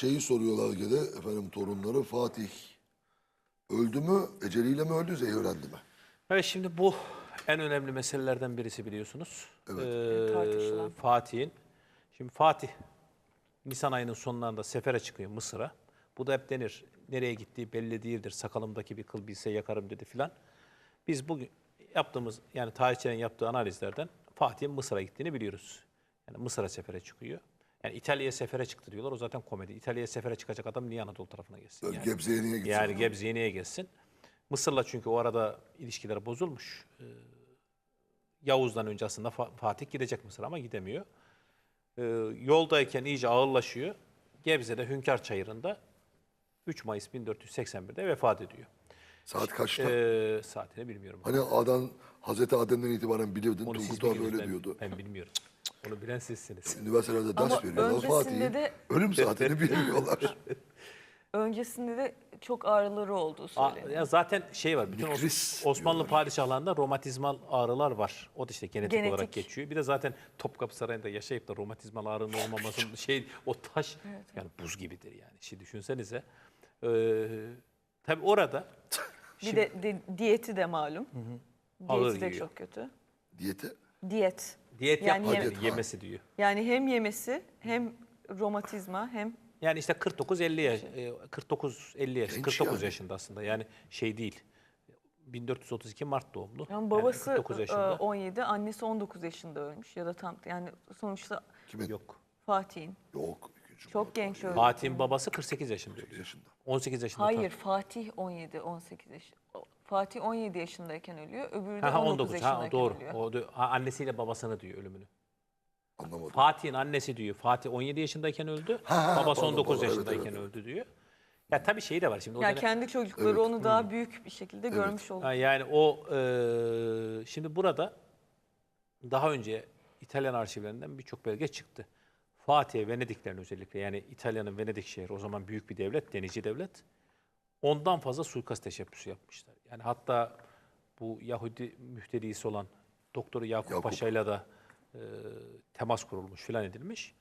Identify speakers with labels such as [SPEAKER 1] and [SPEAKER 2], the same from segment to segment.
[SPEAKER 1] şeyi soruyorlar gene efendim torunları Fatih öldü mü, eceliyle mi öldü, zehirlendi mi?
[SPEAKER 2] Evet, şimdi bu en önemli meselelerden birisi biliyorsunuz.
[SPEAKER 1] Evet.
[SPEAKER 3] Tartışılan.
[SPEAKER 2] Fatih'in. Şimdi Fatih Nisan ayının sonlarında sefere çıkıyor Mısır'a. Bu da hep denir. Nereye gittiği belli değildir. Sakalımdaki bir kıl bilse yakarım dedi filan. Biz bugün yaptığımız yani tarihçilerin yaptığı analizlerden Fatih'in Mısır'a gittiğini biliyoruz. Yani Mısır'a sefere çıkıyor. Yani İtalya'ya sefere çıktı diyorlar. O zaten komedi. İtalya'ya sefere çıkacak adam niye Anadolu tarafına gelsin? Yani,
[SPEAKER 1] Gebze'ye niye gitsin?
[SPEAKER 2] yani Gebze'ye niye gelsin? Mısır'la çünkü o arada ilişkiler bozulmuş. Yavuz'dan önce aslında Fatih gidecek Mısır ama gidemiyor. Yoldayken iyice ağırlaşıyor. Gebze'de Hünkar Çayırı'nda 3 Mayıs 1481'de vefat ediyor.
[SPEAKER 1] Saat kaçta?
[SPEAKER 2] Saatini bilmiyorum.
[SPEAKER 1] Hani Hazreti Adem'den itibaren bilirdin.
[SPEAKER 2] Onu siz
[SPEAKER 1] Turgut abi
[SPEAKER 2] biliyorsunuz,
[SPEAKER 1] öyle diyordu.
[SPEAKER 2] Ben bilmiyorum. Onu bilen sizsiniz.
[SPEAKER 1] Üniversitelerde ders
[SPEAKER 3] Ama
[SPEAKER 1] veriyorlar
[SPEAKER 3] öncesinde
[SPEAKER 1] Fatih'in.
[SPEAKER 3] de-
[SPEAKER 1] Ölüm saatini bilmiyorlar.
[SPEAKER 3] Öncesinde de çok ağrıları olduğu söyleniyor.
[SPEAKER 2] Ya zaten şey var. Bütün
[SPEAKER 1] Mikris
[SPEAKER 2] Osmanlı
[SPEAKER 1] diyorlar.
[SPEAKER 2] padişahlarında romatizmal ağrılar var. O da işte genetik olarak
[SPEAKER 3] Genetik.
[SPEAKER 2] geçiyor. Bir de zaten Topkapı Sarayı'nda yaşayıp da romatizmal ağrının olmamasının o taş yani buz gibidir yani. Şimdi düşünsenize. Tabii orada
[SPEAKER 3] Bir de diyeti de malum.
[SPEAKER 2] Ağır
[SPEAKER 3] Diyeti de
[SPEAKER 2] yiyor.
[SPEAKER 3] çok kötü.
[SPEAKER 1] Diyeti.
[SPEAKER 3] Diyet.
[SPEAKER 2] diyet
[SPEAKER 3] Yani
[SPEAKER 2] yapmadı,
[SPEAKER 1] yeme-
[SPEAKER 2] yemesi diyor.
[SPEAKER 3] Yani hem yemesi hem romatizma hem
[SPEAKER 2] Yani işte 49-50 yaş, 49-50 yaş,
[SPEAKER 1] Genç
[SPEAKER 2] 49
[SPEAKER 1] yani.
[SPEAKER 2] yaşında aslında. Yani şey değil. 1432 Mart doğumlu.
[SPEAKER 3] yani babası
[SPEAKER 2] 49 yaşında.
[SPEAKER 3] 17, annesi 19 yaşında ölmüş ya da tam yani sonuçta
[SPEAKER 1] Kimin?
[SPEAKER 2] Yok.
[SPEAKER 3] Fatih'in.
[SPEAKER 1] Yok. İkinci
[SPEAKER 3] Çok
[SPEAKER 1] Murat
[SPEAKER 3] genç
[SPEAKER 1] var.
[SPEAKER 3] öldü.
[SPEAKER 2] Fatih'in babası 48 yaşında ölüyor.
[SPEAKER 1] Yaşında.
[SPEAKER 2] 18 yaşında.
[SPEAKER 3] Hayır, Fatih 17, 18 yaş. Fatih 17 yaşındayken ölüyor. Öbürü de
[SPEAKER 2] Ha,
[SPEAKER 3] 19
[SPEAKER 2] 19.
[SPEAKER 3] yaşındayken
[SPEAKER 2] Doğru.
[SPEAKER 3] ölüyor.
[SPEAKER 2] Annesiyle babasını diyor ölümünü.
[SPEAKER 1] Anlamadım.
[SPEAKER 2] Fatih'in annesi diyor. Fatih 17 yaşındayken öldü.
[SPEAKER 1] Ha,
[SPEAKER 2] babası
[SPEAKER 1] pardon,
[SPEAKER 2] 19
[SPEAKER 1] pardon. Evet,
[SPEAKER 2] yaşındayken
[SPEAKER 1] evet, evet.
[SPEAKER 2] öldü diyor. Ya tabii şey de var şimdi. O
[SPEAKER 3] Ya
[SPEAKER 2] dönem-
[SPEAKER 3] kendi çocukları
[SPEAKER 1] Evet.
[SPEAKER 3] onu daha büyük bir şekilde görmüş oldu.
[SPEAKER 2] Ha, yani o şimdi burada daha önce İtalyan arşivlerinden birçok belge çıktı. Fatih'e Venediklerin özellikle yani İtalya'nın Venedik şehri o zaman büyük bir devlet, denizci devlet. Ondan fazla suikast teşebbüsü yapmışlar. Yani hatta bu Yahudi müftedisi olan Doktor Yakup Paşa'yla da temas kurulmuş filan edilmiş.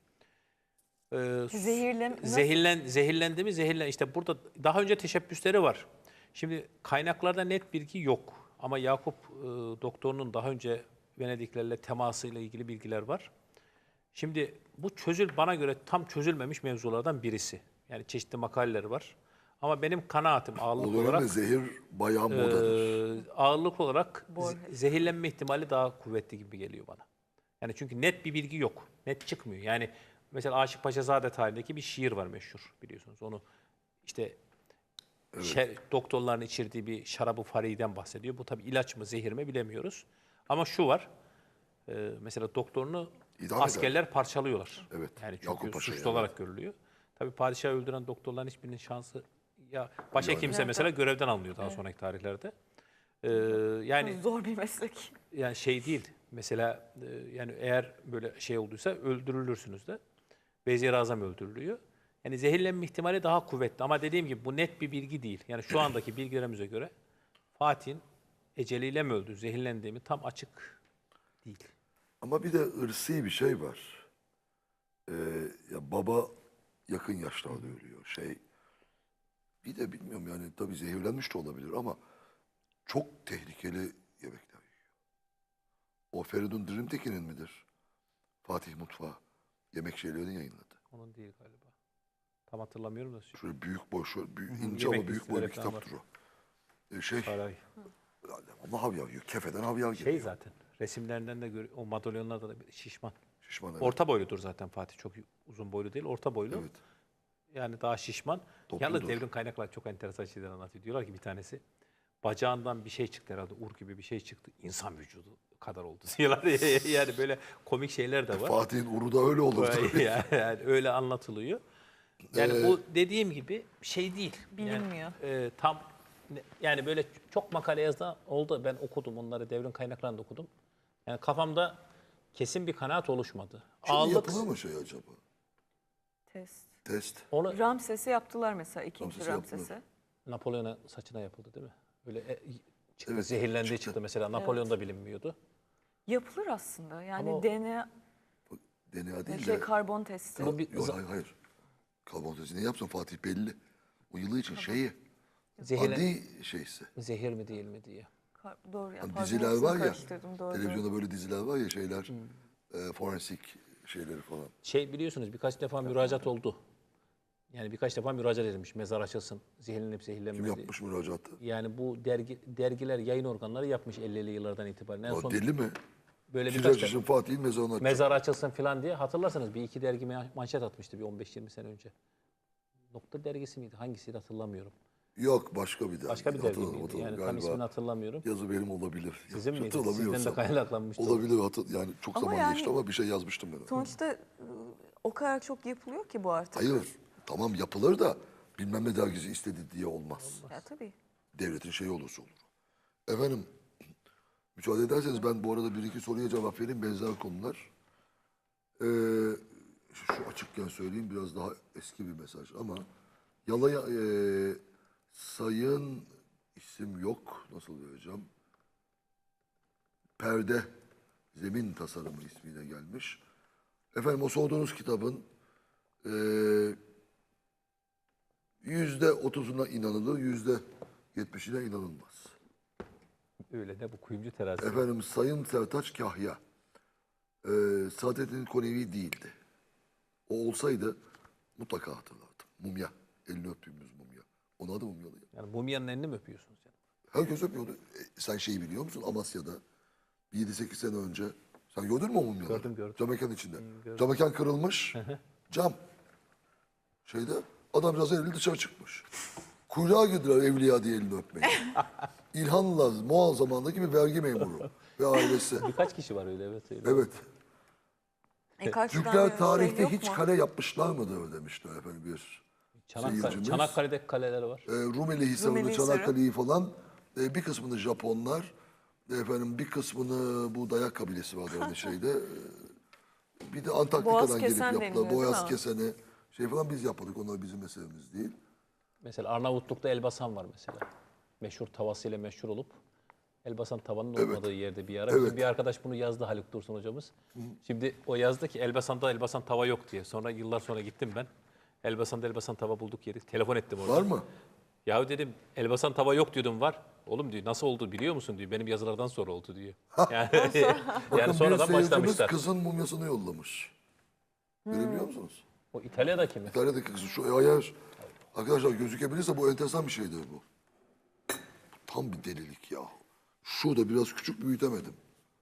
[SPEAKER 2] Zehirlendi mi? İşte burada daha önce teşebbüsleri var. Şimdi kaynaklarda net bilgi yok. Ama Yakup doktorunun daha önce Venediklerle temasıyla ilgili bilgiler var. Şimdi bu bana göre tam çözülmemiş mevzulardan birisi. Yani çeşitli makaleler var. Ama benim kanaatim
[SPEAKER 1] O
[SPEAKER 2] ağırlık
[SPEAKER 1] dönemde
[SPEAKER 2] olarak
[SPEAKER 1] zehir bayağı modadır.
[SPEAKER 2] ağırlık olarak
[SPEAKER 3] Borges.
[SPEAKER 2] zehirlenme ihtimali daha kuvvetli gibi geliyor bana. Yani çünkü net bir bilgi yok. Net çıkmıyor. Yani mesela Aşık Paşazade tarihindeki bir şiir var meşhur biliyorsunuz. Onu işte doktorların içirdiği bir şarabı fariden bahsediyor. Bu tabii ilaç mı zehir mi bilemiyoruz. Ama şu var. Mesela doktorunu
[SPEAKER 1] İdam
[SPEAKER 2] askerler parçalıyorlar.
[SPEAKER 1] Evet,
[SPEAKER 2] Yani çünkü
[SPEAKER 1] Yakup Paşa'yı,
[SPEAKER 2] suçlu olarak görülüyor. Tabii padişahı öldüren doktorların hiçbirinin şansı ya başhekimse mesela görevden alınıyor daha sonraki tarihlerde. Yani
[SPEAKER 3] Zor bir meslek.
[SPEAKER 2] yani şey değil. Mesela yani eğer böyle şey olduysa öldürülürsünüz de. Vezir-i Azam öldürülüyor. Yani zehirlenme ihtimali daha kuvvetli ama dediğim gibi bu net bir bilgi değil. Yani şu andaki bilgilerimize göre Fatih'in eceliyle mi öldü, zehirlendiği mi tam açık değil.
[SPEAKER 1] Ama bir de ırsi bir şey var. Ya baba yakın yaşlarda ölüyor. Bir de bilmiyorum yani tabii zehirlenmiş de olabilir ama çok tehlikeli yemekler yiyor. O Feridun Dirimtekin'in midir? Fatih Mutfağı yemek şeylerini yayınladı.
[SPEAKER 2] Onun değil galiba. Tam hatırlamıyorum da.
[SPEAKER 1] Şöyle büyük boy, şöyle ince
[SPEAKER 2] Yemek
[SPEAKER 1] ama büyük boy bir
[SPEAKER 2] listeleri falan
[SPEAKER 1] kitaptır
[SPEAKER 2] var.
[SPEAKER 1] o.
[SPEAKER 2] Saray.
[SPEAKER 1] Ama havyar yiyor. Kefeden havyar
[SPEAKER 2] Şey
[SPEAKER 1] geliyor.
[SPEAKER 2] zaten resimlerinden de o madalyonlarda da şişman.
[SPEAKER 1] Şişman evet.
[SPEAKER 2] Orta boyludur zaten Fatih. Çok uzun boylu değil, orta boylu.
[SPEAKER 1] Evet.
[SPEAKER 2] Yani daha şişman.
[SPEAKER 1] Topludur.
[SPEAKER 2] Yalnız devrim kaynaklar çok enteresan şeyler anlatıyor. Diyorlar ki bir tanesi bacağından bir şey çıktı herhalde. Ur gibi bir şey çıktı. İnsan vücudu kadar oldu diyorlar. Yani böyle komik şeyler de var.
[SPEAKER 1] Fatih'in uru da öyle olur tabii.
[SPEAKER 2] Yani öyle anlatılıyor. Yani bu dediğim gibi şey değil.
[SPEAKER 3] Bilinmiyor.
[SPEAKER 2] Yani, yani böyle çok makale yazdı oldu. Ben okudum onları devrim kaynaklarında okudum. Yani kafamda kesin bir kanaat oluşmadı.
[SPEAKER 1] Şimdi yapılır mı şey acaba?
[SPEAKER 3] Test.
[SPEAKER 1] Test.
[SPEAKER 2] Onu
[SPEAKER 3] Ramses'e yaptılar mesela ikinci
[SPEAKER 1] Ramses'e yaptılar.
[SPEAKER 3] Ramses'e.
[SPEAKER 2] Napolyon'a saçına yapıldı değil mi? Öyle çıktı,
[SPEAKER 1] Evet,
[SPEAKER 2] zehirlendiği
[SPEAKER 1] çıktı.
[SPEAKER 2] çıktı mesela. Napolyon da bilinmiyordu.
[SPEAKER 3] Yapılır aslında. Yani
[SPEAKER 2] Ama o-
[SPEAKER 3] DNA,
[SPEAKER 1] DNA değil de.
[SPEAKER 3] karbon testi.
[SPEAKER 2] Bu bir
[SPEAKER 1] Yok, hayır hayır. Karbonatezi ne yapsın Fatih belli. O yılı için şeyi.
[SPEAKER 2] Zehirlen,
[SPEAKER 1] Adi şeysi.
[SPEAKER 2] zehir mi değil mi diye.
[SPEAKER 3] Doğru ya.
[SPEAKER 1] Hani
[SPEAKER 3] pardon,
[SPEAKER 1] diziler
[SPEAKER 3] hepsini
[SPEAKER 1] var ya.
[SPEAKER 3] karıştırdım, doğru.
[SPEAKER 1] Televizyonda böyle diziler var ya şeyler. Forensik şeyleri falan.
[SPEAKER 2] Şey biliyorsunuz birkaç defa müracaat oldu. Yani birkaç defa müracaat edilmiş. Mezar açılsın, zehirlenip
[SPEAKER 1] Kim
[SPEAKER 2] zehirlenmedi.
[SPEAKER 1] yapmış müracaatı?
[SPEAKER 2] Yani bu dergiler, yayın organları yapmış 50'li yıllardan itibaren. En
[SPEAKER 1] Ya
[SPEAKER 2] son
[SPEAKER 1] deli mi?
[SPEAKER 2] böyle birkaç
[SPEAKER 1] Şiraç
[SPEAKER 2] defa
[SPEAKER 1] için Fatih'in mezarını açacak.
[SPEAKER 2] mezar açılsın falan diye hatırlarsanız bir iki dergi manşet atmıştı bir 15-20 sene önce. Nokta dergisi miydi? Hangisiydi hatırlamıyorum.
[SPEAKER 1] Yok başka bir dergi.
[SPEAKER 2] Başka bir dergi
[SPEAKER 1] Hatırladım,
[SPEAKER 2] miydi? Yani tam
[SPEAKER 1] galiba.
[SPEAKER 2] ismini hatırlamıyorum.
[SPEAKER 1] Yazı benim olabilir.
[SPEAKER 2] Sizin miydi?
[SPEAKER 1] Hatırlamıyorsam.
[SPEAKER 2] Sizden de kaynaklanmıştı.
[SPEAKER 1] Olabilir. Yani çok
[SPEAKER 3] Ama
[SPEAKER 1] zaman
[SPEAKER 3] yani-
[SPEAKER 1] geçti ama bir şey yazmıştım ben.
[SPEAKER 3] Sonuçta o kadar çok yapılıyor ki bu artık.
[SPEAKER 1] Hayır. Tamam yapılır da bilmem ne dergisi istedi diye olmaz.
[SPEAKER 3] Ya tabii.
[SPEAKER 1] Devletin şeyi olursa olur. Efendim müsaade ederseniz ben bu arada bir iki soruya cevap vereyim. Benzer konular. Şu açıkken söyleyeyim biraz daha eski bir mesaj ama Yalaya sayın isim yok. Nasıl vereceğim? Perde zemin tasarımı ismiyle gelmiş. Efendim o sorduğunuz kitabın %30'una inanılır, %70'ine inanılmaz.
[SPEAKER 2] Öyle de bu kuyumcu terazisi.
[SPEAKER 1] Efendim Sayın Sertaç Kahya Saadettin Konevi değildi. O olsaydı mutlaka hatırlardım. Mumya. Elini öptüğümüz mumya. Onun adı mumyalı.
[SPEAKER 2] Yani mumyanın elini mi öpüyorsunuz? Yani?
[SPEAKER 1] Herkes öpüyordu. Sen şeyi biliyor musun? Amasya'da 7-8 sene önce. Sen gördün mü o mumyaları?
[SPEAKER 2] Gördüm.
[SPEAKER 1] Camekan içinde.
[SPEAKER 2] gördüm.
[SPEAKER 1] Camekan kırılmış. Cam. Şeyde adamcağız elini dışarı çıkmış. Kuyruğa girdiler Evliya diye elini öpmeye. İlhanlı Moğol zamanındaki bir vergi memuru ve ailesi.
[SPEAKER 2] Birkaç kişi var öyle evet. Öyle.
[SPEAKER 1] Evet.
[SPEAKER 3] Karşıdan
[SPEAKER 1] Türkler
[SPEAKER 3] bir
[SPEAKER 1] tarihte
[SPEAKER 3] şey yok
[SPEAKER 1] hiç
[SPEAKER 3] mu?
[SPEAKER 1] kale yapmışlar mıdır demişler efendim bir seyircimiz.
[SPEAKER 2] Çanakkale'deki kaleler var.
[SPEAKER 1] Rumeli Hisarı'nı,
[SPEAKER 3] Rumeli Hisarı.
[SPEAKER 1] Çanakkale'yi falan bir kısmını Japonlar, efendim bir kısmını bu Dayak kabilesi vardı orada şeyde. Bir de Antarktika'dan
[SPEAKER 3] Boğaz
[SPEAKER 1] gelip
[SPEAKER 3] kesen
[SPEAKER 1] yaptılar.
[SPEAKER 3] deniliyor, değil
[SPEAKER 1] Boğaz
[SPEAKER 3] mi?
[SPEAKER 1] keseni şey falan biz yapmadık. Onlar bizim meselemiz değil.
[SPEAKER 2] Mesela Arnavutluk'ta Elbasan var mesela. Meşhur tavasıyla meşhur olup Elbasan tavanın olmadığı yerde bir ara.
[SPEAKER 1] Evet.
[SPEAKER 2] Bizim bir arkadaş bunu yazdı Haluk Dursun hocamız. Şimdi o yazdı ki Elbasan'da Elbasan tava yok diye. Sonra yıllar sonra gittim ben. Elbasan'da Elbasan tava bulduk yeri. Telefon ettim orada.
[SPEAKER 1] Var mı?
[SPEAKER 2] Ya dedim Elbasan tava yok diyordum var. Oğlum diyor nasıl oldu biliyor musun diyor. Benim yazılardan sonra oldu diyor. Yani,
[SPEAKER 1] Bakın
[SPEAKER 2] yani
[SPEAKER 1] bir
[SPEAKER 2] sonradan
[SPEAKER 1] seyircimiz
[SPEAKER 2] başlamışlar.
[SPEAKER 1] kızın mumyasını yollamış. Görebiliyor musunuz?
[SPEAKER 2] O İtalya'daki mi?
[SPEAKER 1] İtalya'daki kızı şu ayar. Arkadaşlar gözükebilirse bu enteresan bir şeydir bu. Tam bir delilik ya. Şurada biraz küçük büyütemedim.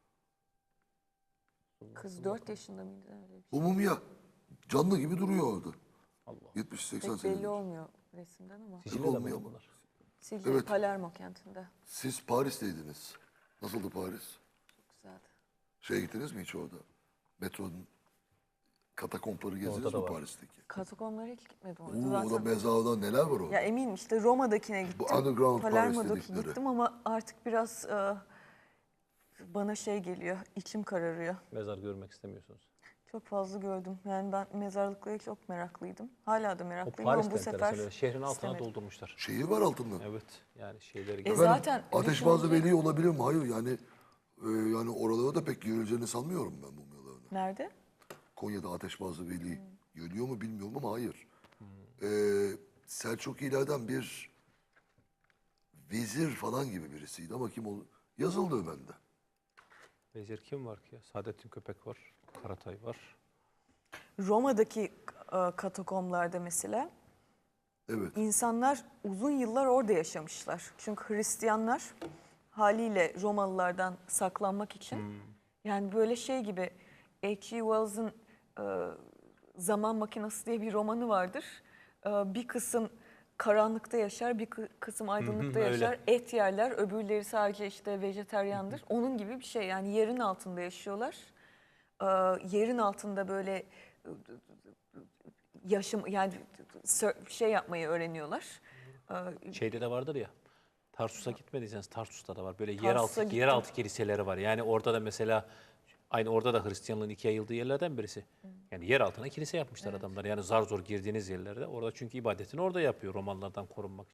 [SPEAKER 3] Kız 4 yaşında mıydı? Öyle bir şey.
[SPEAKER 1] Bu mumya canlı gibi duruyor orada.
[SPEAKER 2] Allah.
[SPEAKER 1] 70-80
[SPEAKER 3] Pek
[SPEAKER 1] sene.
[SPEAKER 3] belli olmuyor resimden ama.
[SPEAKER 2] Sicilya'da mı
[SPEAKER 1] olmuyor ama.
[SPEAKER 2] bunlar?
[SPEAKER 3] Sicilya,
[SPEAKER 1] Evet.
[SPEAKER 3] Palermo kentinde.
[SPEAKER 1] Siz Paris'teydiniz. Nasıldı Paris?
[SPEAKER 3] Güzeldi.
[SPEAKER 1] Şeye gittiniz mi hiç orada? Metronun katakompları gezdiniz
[SPEAKER 2] Orada da
[SPEAKER 1] mi
[SPEAKER 2] var.
[SPEAKER 1] Paris'teki?
[SPEAKER 3] Katakomlara hiç gitmedim.
[SPEAKER 1] Oo,
[SPEAKER 3] Zaten.
[SPEAKER 1] orada mezarda neler var orada?
[SPEAKER 3] Ya eminim işte Roma'dakine gittim.
[SPEAKER 1] underground Paris
[SPEAKER 3] Palermo'daki
[SPEAKER 1] dedikleri.
[SPEAKER 3] gittim ama artık biraz bana şey geliyor. İçim kararıyor.
[SPEAKER 2] Mezar görmek istemiyorsunuz.
[SPEAKER 3] Çok fazla gördüm. Yani ben mezarlıklara çok meraklıydım. Hala da
[SPEAKER 2] O
[SPEAKER 3] meraklıyım
[SPEAKER 2] Paris'te
[SPEAKER 3] ama bu
[SPEAKER 2] enteresan
[SPEAKER 3] sefer
[SPEAKER 2] öyle. Şehrin altına
[SPEAKER 3] istemedim.
[SPEAKER 2] doldurmuşlar.
[SPEAKER 1] Şehir var altında.
[SPEAKER 2] Evet. Yani şeyleri
[SPEAKER 3] E
[SPEAKER 1] Efendim,
[SPEAKER 3] zaten
[SPEAKER 1] Ateşbazı
[SPEAKER 3] düşününce-
[SPEAKER 1] Veli olabilir mi? Hayır yani oralara da pek girileceğini sanmıyorum ben mumyalarına.
[SPEAKER 3] Nerede?
[SPEAKER 1] Konya'da Ateşbazı Veli görüyor mu bilmiyorum ama hayır. Selçukilerden bir vezir falan gibi birisiydi ama kim olur? Yazıldı bende.
[SPEAKER 2] Vezir kim var ki ya? Saadettin Köpek var. Karatay var.
[SPEAKER 3] Roma'daki katakomlarda mesela
[SPEAKER 1] Evet.
[SPEAKER 3] insanlar uzun yıllar orada yaşamışlar. Çünkü Hristiyanlar haliyle Romalılardan saklanmak için yani böyle şey gibi H.G. Wells'ın Zaman Makinesi diye bir romanı vardır. Bir kısım karanlıkta yaşar, bir kısım aydınlıkta
[SPEAKER 2] öyle.
[SPEAKER 3] yaşar. Et yerler, öbürleri sadece işte vejeteryandır. Onun gibi bir şey yani yerin altında yaşıyorlar. Yerin altında böyle yaşam yani şey yapmayı öğreniyorlar.
[SPEAKER 2] Şeyde de vardır ya. Tarsus'a gitmediyseniz Tarsus'ta da var. Böyle
[SPEAKER 3] Tarsus'a
[SPEAKER 2] yeraltı kiliseleri var. Yani orada da mesela aynı orada da Hristiyanlığın ikiye yayıldığı yerlerden birisi. Yani yer altına kilise yapmışlar adamlar. Yani zar zor girdiğiniz yerlerde. Orada çünkü ibadetini orada yapıyor Romalılardan korunmak için.